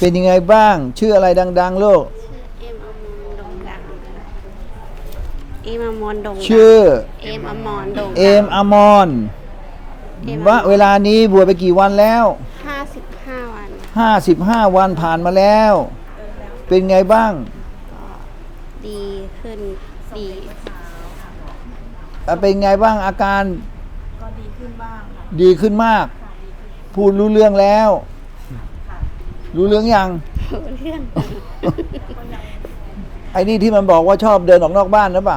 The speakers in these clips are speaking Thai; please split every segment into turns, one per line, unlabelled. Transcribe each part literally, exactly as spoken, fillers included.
เป็นยังไงบ้างชื่ออะไรดังๆลูก
ชื่อเอ็มอมรดงดังเอ็มอมรดง
ชื่อ
เอ็มอมรดง
เอมอมรว่าเวลานี้บวชไปกี่วันแล้ว
ห้าสิบห้าวัน
ห้าสิบห้าวันผ่านมาแล้วเป็นไงบ้าง
ก็ดีขึ้นดี
เป็นไงบ้างอาการ
ก็ดีขึ้นบ้างค่ะ
ดีขึ้นมากพูดรู้เรื่องแล้วรู้เรื่องยัง
รู้เรื่อง
ไอ้นี่ที่มันบอกว่าชอบเดินออกนอกบ้านหรือเปล่า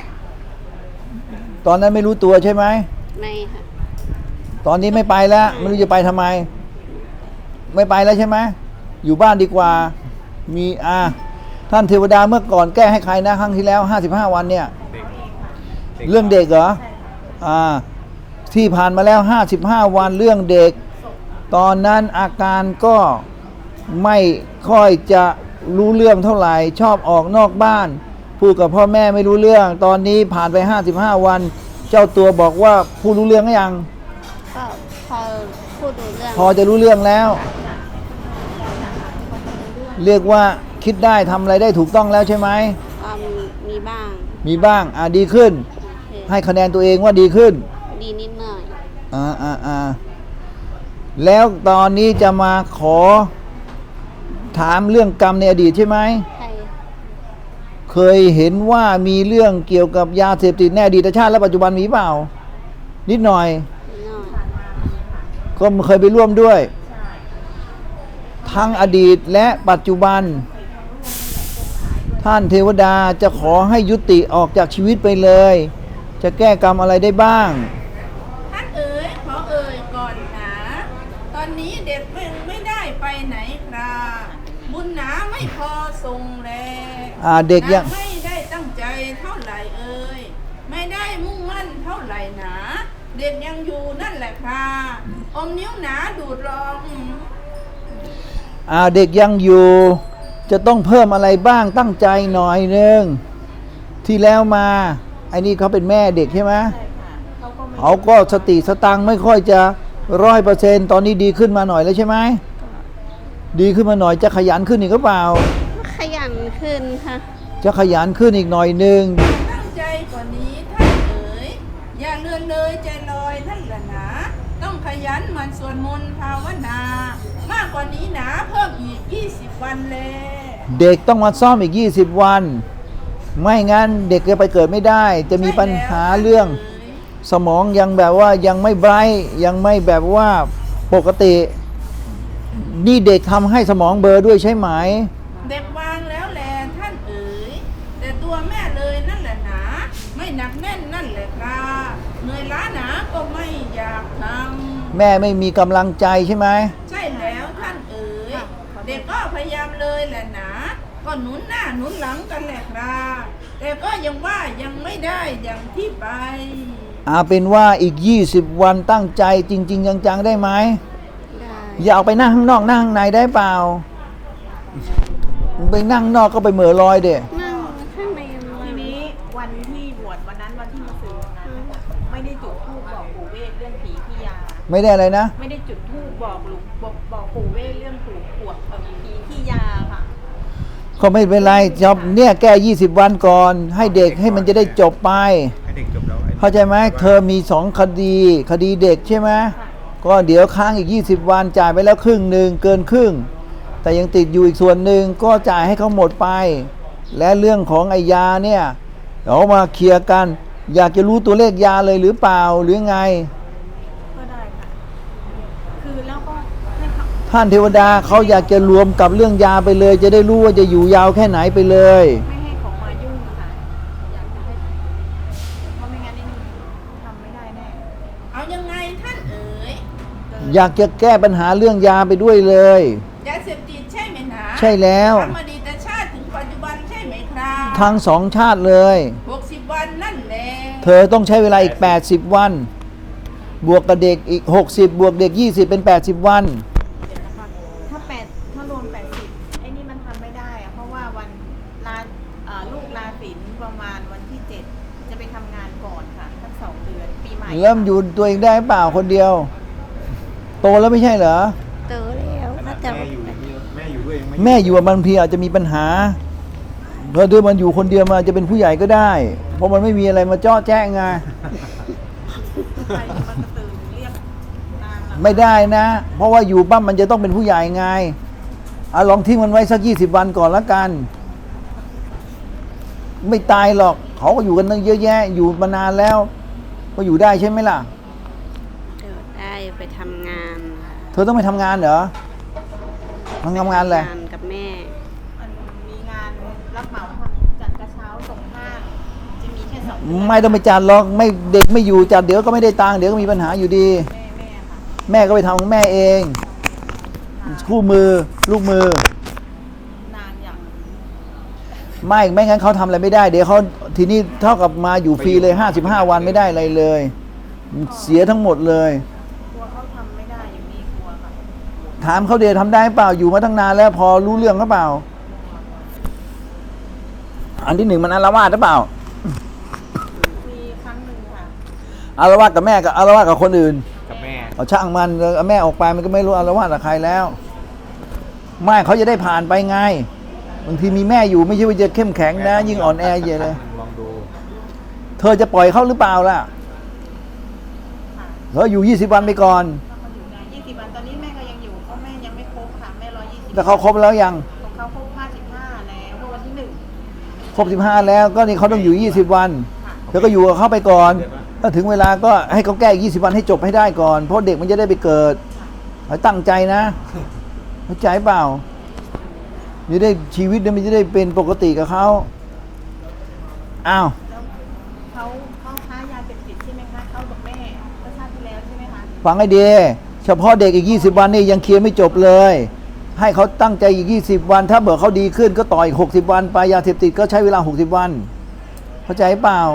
ตอนนั้นไม่รู้ตัวใช่ไหม
ไม่ค่ะ
ตอนนี้ไม่ไปแล้วไม่รู้จะไปทำไมไม่ไปแล้วใช่ไหมอยู่บ้านดีกว่ามีอ่าท่านเทวดาเมื่อก่อนแก้ให้ใครนะครั้งที่แล้วห้าสิบห้าวันเนี่ยเรื่องเด็กเหรออ่าที่ผ่านมาแล้วห้าสิบห้าวันเรื่องเด็กตอนนั้นอาการก็ไม่ค่อยจะรู้เรื่องเท่าไหร่ชอบออกนอกบ้านพูดกับพ่อแม่ไม่รู้เรื่องตอนนี้ผ่านไปห้าสิบห้าวันเจ้าตัวบอกว่าพูดรู้เรื่องหรือยัง
ก็พอพูดรู้เรื่อง
พอจะรู้เรื่องแล้วเรียกว่าคิดได้ทำอะไรได้ถูกต้องแล้วใช่ไหม
มีบ้าง
มีบ้างอ่ะดีขึ้นให้คะแนนตัวเองว่าดีขึ้น
ดีนิดหน่อย
อ่าอ่าอ่าแล้วตอนนี้จะมาขอถามเรื่องกรรมในอดีตใช่ไหม
ใช่
เคยเห็นว่ามีเรื่องเกี่ยวกับยาเสพติดในอดีตชาติและปัจจุบันมีเปล่านิดหน่อยก็เคยไปร่วมด้วยทั้งอดีตและปัจจุบันท่านเทวดาจะขอให้ยุติออกจากชีวิตไปเลยจะแก้กรรมอะไรได้บ้าง
ท่านเอ๋ยขอเอ๋ยก่อนหนาตอนนี้เด็กไม่ไม่ได้ไปไหนครับบุญหนาไม่พอส่งแล
อ่าเด็กยัง
ไม่ได้ตั้งใจเท่าไหร่เอ๋ยไม่ได้มุ่งมั่นเท่าไหร่หนาเด็กยังอยู่นั่นแหละครับอมนิ้วหนาดูดลอง
อ่าเด็กยังอยู่จะต้องเพิ่มอะไรบ้างตั้งใจหน่อยนึงที่แล้วมาไอ้นี่เขาเป็นแม่เด็กใช่ไหมใช่ค่ะเขาก็สติสตังไม่ค่อยจะร้อยเปอร์เซ็นต์ตอนนี้ดีขึ้นมาหน่อยแล้วใช่ไหมดีขึ้นมาหน่อยจะขยันขึ้นอีกหรือเปล่า
ขยันขึ้นค่ะ
จะขยันขึ้นอีกหน่อยนึง
ตั้งใจกว่านี้ท่านเอ๋ยอย่าเลื่อนเลยใจลอยท่านละนะต้องขยันมันสวดมนต์ภาวนามากกว่านี้หนาเพิ่มอีกยี่สิบวันเลย
เด็กต้องมาซ่อมอีกยี่สิบวันไม่งั้นเด็กจะไปเกิดไม่ได้จะมีปัญหาเรื่องสมองยังแบบว่ายังไม่ไบรท์ยังไม่แบบว่าปกตินี่เด็กทำให้สมองเบลอด้วยใช่ไหม
เด็กวางแล้วแลท่านเอ๋ยแต่ตัวแม่เลยนั่นแหละหนาไม่หนักแน่นนั่นแหละครับเหนื่อยล้าหนาก็ไม่อยากทำ
แม่ไม่มีกำลังใจใช่ไหม
ใช่แล้วท่านเอ๋ยเด็กก็พยายามเลยแหละหนาก็หนุนหน้าหนุนหลังกันแหละครับแต่ก็ยังว่ายังไม่ได้อย่างที่ไป
อาเป็นว่าอีกยี่สิบวันตั้งใจจริงๆจังๆได้ไหมได้อย่าเอาไปนั่งข้างนอกนั่งข้างในได้เปล่าไปนั่งนอกก็ไปเหม่อลอยเด็
นั่งข้างใน
ทีนี้วันที่บวชวันนั้นวันที่มาซื้อนะไม่ได้จุดธูปบอกปู่เวทเรื่องผีพี่ยา
ไม่ได้อะไรนะ
ไม่ได้จุดธูปบอกหลวงบอกบอกปู่เวทเรื่องปู่ปวดผีพี่ยาค่ะ
ก็ไม่เป็นไรจบเนี่ยแก้ยี่สิบวันก่อนให้เด็กให้มันจะได้จบไป
ให้เด็กจบแล้ว
เข้าใจไหมเธอมีสองคดีคดีเด็กใช่ไหมก็เดี๋ยวค้างอีกยี่สิบวันจ่ายไปแล้วครึ่งหนึ่งเกินครึ่งแต่ยังติดอยู่อีกส่วนหนึ่งก็จ่ายให้เขาหมดไปและเรื่องของไอ้ยาเนี่ยเรามาเคลียร์กันอยากจะรู้ตัวเลขยาเลยหรือเปล่าหรือไง
ก็ได้ค่ะคือแล้วก็
ท่านเทวดาเขาอยากจะรวมกับเรื่องยาไปเลยจะได้รู้ว่าจะอยู่ยาวแค่ไหนไปเลย
ไม่ให้ของมายุ่งค่ะอยากจะให้เพราะไม่งั้นนี่ทำไม่ได้แน่
เอายังไงท่านเอ๋ย
อยากจะแก้ปัญหาเรื่องยาไปด้วยเลย
ยาเสพติดใช่ไหมนะ
ใช่แล้ว
ทำอดีตชาติถึงปัจจุบันใช่ไหมครับ
ทั้งสองชาติเลย
หกสิบวันนั่นแหละ
เธอต้องใช้เวลาอีกแปดสิบวันบวกกับเด็กอีกหกสิบบวกเด็กยี่สิบเป็นแปดสิบวัน
ถ้าแปดถ้ารวมแปดสิบไอ้นี่มันทำไม่ได้อะเพราะว่าวันลาลูกลาศิลป์ประมาณวันที่เจ็ดจะไปทำงานก่อนค่ะทั้งสองเดือนปีใหม่
เริ่มอยู่ตัวเองได้เปล่าคนเดียวโตแล้วไม่ใช่เหรอ
โตแล้วก็จะ
แม่อยู่แม่อยู่ด้วยด้วยยังไม่
แม่อยู่กับบางทีอาจจะมีปัญหาเพราะด้วยมันอยู่คนเดียวมันอาจจะเป็นผู้ใหญ่ก็ได้ เพราะมันไม่มีอะไรมาเจ้อแจ้งไง
ใครจะมากระตือเรียกนางล่ะ
ไม่ได้นะ เพราะว่าอยู่บ้านมันจะต้องเป็นผู้ใหญ่ไงอะลองทิ้งมันไว้สักยี่สิบวันก่อนละกัน ไม่ตายหรอกเขาก็อยู่กันตั้งเยอะแยะ อยู่มานานแล้ว ก็อยู่ได้ใช่ไหมล่ะ
เดี๋ยวได้ไปทำงานค่ะ
เธอต้องไปทำงานเหรอทำงานอะไร
ทำงานกับแม่
มันมีงานรับเหมาทำจัดกระเช้าส่งห้าง จะมีแค่สองเดือน
ไม่ต้องไปจัดหรอกไม่เด็กไม่อยู่จัดเดี๋ยวก็ไม่ได้ตังค์เดี๋ยวก็มีปัญหาอยู่ดี
แม่แม่ค่ะ
แม่ก็ไปทำของแม่เอง คู่มือลูกมือ
นานอย่าง
ไม่ไม่งั้นเขาทำอะไรไม่ได้ เดี๋ยวเขาทีนี้เท่ากับมาอยู่ฟรีเลยห้าสิบห้าวันไม่ได้อะไรเลย เสียทั้งหมดเลย
กลัวเขาทำไม่ได้อย่างนี้กลัวค่ะ
ถามเขาเดททำได้เปล่าอยู่มาตั้งนานแล้วพอรู้เรื่องหรือเปล่า อันที่หนึ่งมันอาละวาดหรือเปล่า
มีครั้งหนึ่งค่ะ
อาละวาดกับแม่กับอาละวาดกับคนอื่น
กับแม่
เอาช่างมันเอาแม่ออกไปมันก็ไม่รู้อาละวาดกับใครแล้ว ไม่เขาจะได้ผ่านไปไงบางทีมีแม่อยู่ไม่ใช่ว่าจะเข้มแข็งนะ ยิ่งอ่อนแอเยอะเลย
ลองดู
เธอจะปล่อยเขาหรือเปล่าล่ะ
ค่ะ
เธออยู่ยี่สิบวันไปก่อน
ถ้าเขาอยู่ได้ยี่สิบวันตอนนี้แม่ก็ยังอยู่เพราะแม่ยังไม่ครบค่ะแม่ร้อยยี่สิบ
แต่เขาครบแล้วยัง
ของเขาครบห้าสิบห้าแล้วเมื่อวันที่หนึ่ง
ครบสิบห้าแล้วก็นี่เขาต้องอยู่ยี่สิบวัน
ค่ะ
เธอก็อยู่กับเขาไปก่อนถ้าถึงเวลาก็ให้เขาแก้อีกยี่สิบวันให้จบให้ได้ก่อน เพราะเด็กมันจะได้ไปเกิดให้ตั้งใจนะเข้าใจเปล่าจะได้ชีวิตเนี่ยมันจะได้เป็นปกติกับเขาอ้าว
แล้วเขาเขาค้ายาเสพติดใช่ไหมคะเขากับแม่เมื่อชาติที่แล้วใช่ไหมคะ
ฟังให้ดีเฉพาะเด็กอีกยี่สิบวันนี่ยังเคลียร์ไม่จบเลย ให้เขาตั้งใจอีกยี่สิบวัน ถ้าเบื่อเขาดีขึ้นก็ต่ออีกหกสิบวันไปยาเสพติดก็ใช้เวลาหกสิบวัน เข้าใจเปล่า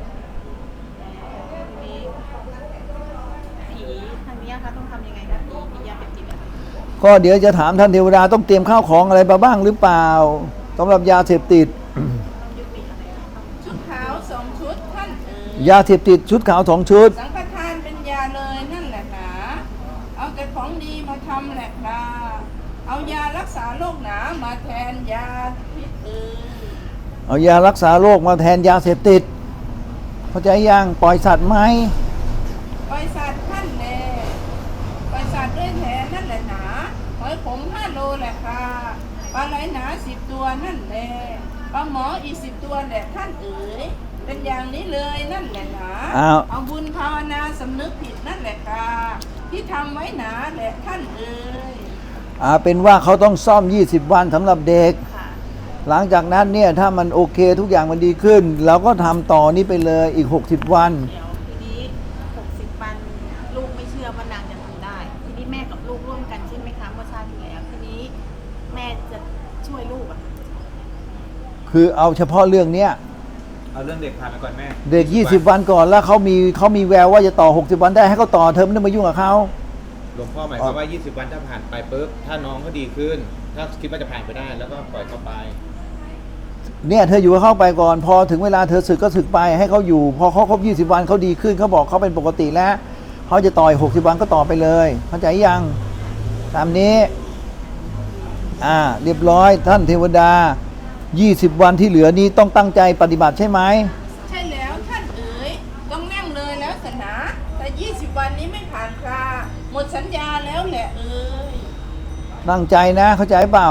มีผีทางเนี้ยค่ะต้องทำยังไงคะผีผียาเสพติดอะ
ก็เดี๋ยวจะถามท่านเทวดาต้องเตรียมข้าวของอะไรมาบ้างหรือเปล่าสำหรับยาเสพติด
ต้องยุติอะไรคะต้อง
ชุดขาวสองชุดท่านเอ๋ย
ยาเสพติดชุดขาวสองชุด
สังฆทานเป็นยาเลยนั่นแหละหนาเอาแต่ของดีมาทำแหละคราเอายารักษาโรคหนามาแทนยาพิษเอ๋ย
เอายารักษาโรคมาแทนยาเสพติดเข้าใจยังปล่อยสัตว์ไหม
ปล่อยสัตว์ท่านแน่ปล่อยสัตว์ด้วยแทนนั่นแหละหนาหอยขมห้าโลแหละค่ะปลาไหลหนาสิบตัวนั่นแหละปลาหมออีกสิบตัวแหละท่านเอ๋ยเป็นอย่างนี้เลยนั่นแหละหนา
อ้าว
เอาบุญภาวนาสำนึกผิดนั่นแหละค่ะที่ทำไว้หนาแหละท่านเอ๋ย
อ่าเป็นว่าเขาต้องซ่อมยี่สิบวันสำหรับเด็ก
ค่ะ
หลังจากนั้นเนี่ยถ้ามันโอเคทุกอย่างมันดีขึ้น เราก็ทำต่อนี้ไปเลยอีกหกสิบวัน
เดี๋ยวทีนี้หกสิบวันลูกไม่เชื่อว่านางจะทำได้ ทีนี้แม่กับลูกร่วมกันใช่ไหมคะเมื่อชาติที่แล้วทีนี้แม่จะช่วยลูกอะ
คือเอาเฉพาะเรื่องเนี้ย
เอาเรื่องเด็กผ่านไปก่อนแม่
เด็กยี่สิบวันก่อนแล้วเขามีเขามีแววว่าจะต่อหกสิบวันได้ให้เขาต่อเธอไม่ต้องมายุ่งกับเขา
หลวงพ่อหมายความว่า ยี่สิบ วันถ้าผ่านไปปุ๊บ ถ้าน้องเขาดีขึ้น ถ้าคิดว่าจะผ่านไปได้ แล้วก็ปล่อยเขาไป
เนี่ยเธออยู่กับเขาไปก่อน พอถึงเวลาเธอสึกก็สึกไปให้เขาอยู่ พอเขาครบยี่สิบวันเขาดีขึ้นเขาบอกเขาเป็นปกติแล้วเขาจะต่อยหกสิบวันก็ต่อไปเลยเข้าใจยังตามนี้อ่าเรียบร้อยท่านเทวดายี่สิบวันที่เหลือนี้ต้องตั้งใจปฏิบัติใช่ไหม
ใช่แล้วท่านเอ๋ยต้องนั่งเลยแล้วสนะแต่ยี่สิบวันนี้ไม่ผ่านคราหมดสัญญาแล้วแหละเอ๋ย
ตั้งใจนะเข้าใจเปล่า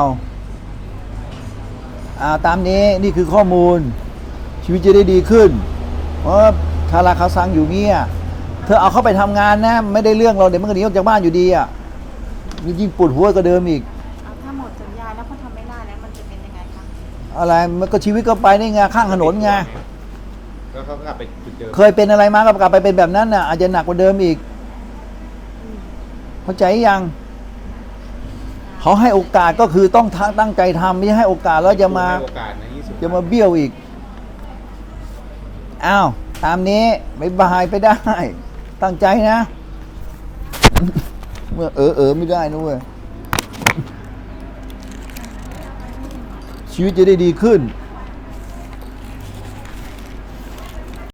อ่าตามนี้นี่คือข้อมูล ชีวิตจะได้ดีขึ้น เพราะคาราคาซังอยู่เงี้ยเธอเอาเข้าไปทำงานนะ ไม่ได้เรื่องเราเดี๋ยวมันก็หนีออกจากบ้านอยู่ดีอ่ะยิ่งปวดหัวก็เดิมอีก
เอาถ้าหมดสัญญาแล้วเขาทำไม่ได้แล้วมันจะเป็นยังไงคะ
อะไรมันก็ชีวิตก็ไปได้ไงข้างถนนไง
ก็เขากลับไปจุดเดิม
เคยเป็นอะไรมาก็กลับไปเป็นแบบนั้นน่ะอาจจะหนักกว่าเดิมอีกเข้าใจยังเขาให้โอกาสก็คือต้องตั้งใจทำไม่ใช่ให้โอกาสแล้วจะมา
ให้โอกาสนะยี่สิบ
จะมาเบี้ยวอีก อ้าว ตามนี้ไม่บายไปได้ ตั้งใจนะ เมื่อเออเออไม่ได้นะเว้ย ชีวิตจะได้ดีขึ้น